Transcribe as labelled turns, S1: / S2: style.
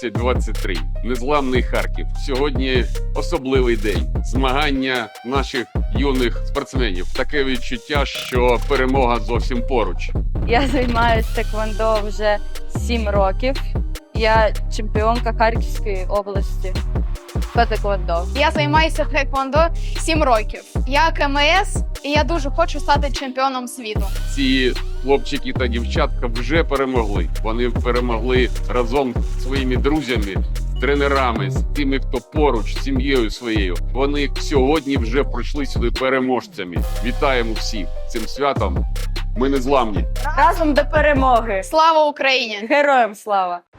S1: 2023. Незламний Харків. Сьогодні особливий день. Змагання наших юних спортсменів. Таке відчуття, що перемога зовсім поруч.
S2: Я займаюся теквондо вже 7 років. Я чемпіонка Харківської області по теквондо.
S3: Я займаюся тхеквондо 7 років. Я КМС, і я дуже хочу стати чемпіоном світу.
S1: Ці хлопчики та дівчатка вже перемогли. Вони перемогли разом зі своїми друзями, тренерами, з тими, хто поруч, з сім'єю своєю. Вони сьогодні вже пройшли сюди переможцями. Вітаємо всіх цим святом. Ми незламні.
S2: Разом до перемоги!
S3: Слава Україні!
S2: Героям слава!